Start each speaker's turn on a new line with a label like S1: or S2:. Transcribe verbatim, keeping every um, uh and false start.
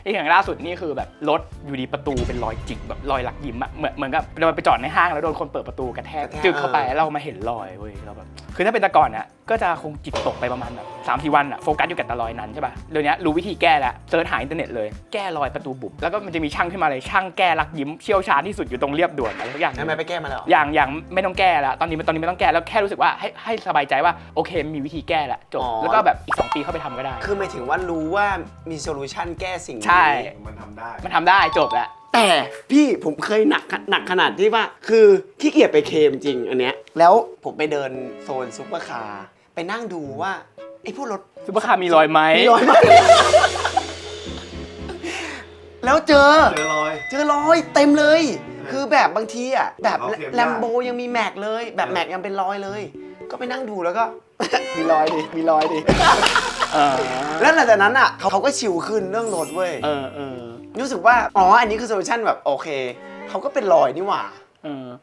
S1: ไอ้อย่างล่าสุดนี่คือแบบรถอยู่ดีประตูเป็นรอยจิกแบบรอยหลักยิ้มอะเหมือนเหมือนกับเราไปจอดในห้างแล้วโดนคนเปิดประตูกระแทกจึกเข้าไปแล้วเรามาเห็นรอยเว้ยเราแบบคือถ้าเป็นแต่ก่อนอะก็จะคงจิตตกไปประมาณแบบสามสี่วันอะโฟกัสอยู่กับแต่รอยนั้นใช่ป่ะเดี๋ยวนี้รู้วิธีแก้แล้วเซิร์ชหาอินเทอร์เน็ตเลยแก้รอยประตูบุบแล้วก็มันจะมีช่างขึ้นมาเลยช่างแก้ลักยิ้มเชี่ยวชาญที่สุดอยู่ตรงเรียบด่วนอะไรทุกอย่าง
S2: ทำไมไปแก้มาแล้ว
S1: อย่างอย่างไม่ต้องแก้แล้วตอนนี้ตอนนี้ไม่ต้องแก้แล้วแค่รู้สึกว่าให้ให้สบายใจว่าโอเคมีวิธีแก้แล้วจบแล้วก็แบบอีกสองปีเข้าไปทำก็ได้
S2: คือหมายถึงว่ารู้ว่ามีโซลูชันแก้สิ่งนี้
S1: ใช่
S3: มันทำได้
S1: มันทำได้จบแล้ว
S2: แต่พี่ผมเคยหนักหนักขนาดที่ว่าคือขี้เกียจไปเคลมจริงอันเนี้ยแล้วผมไปเดินโซนซุปเปอร์คาร์ไปนั่งดูว่าไอ้พวกรถ
S1: ซุปเปอร์คาร์มีรอยไหม
S2: มีรอยไหม แล้วเจอ
S3: เจอรอย
S2: เจอรอยเต็มเลย คือแบบบางทีอ่ะแบบ
S3: เขาเขียน
S2: แลมโบยังมีแม็กเลย แบบแม็กยังเป็นรอยเลย ก็ไปนั่งดูแล้วก็ มีรอยดิมีรอยดิ
S1: เออ
S2: แล้วหลังจากนั้นอ่ะเขาเขาก็ชิลขึ้นเรื่องรถเว้ย
S1: เออเออ
S2: รู้สึกว่าอ๋ออันนี้คือโซลูชันแบบโอเคเขาก็เป็นรอยนี่หว่า
S1: เออ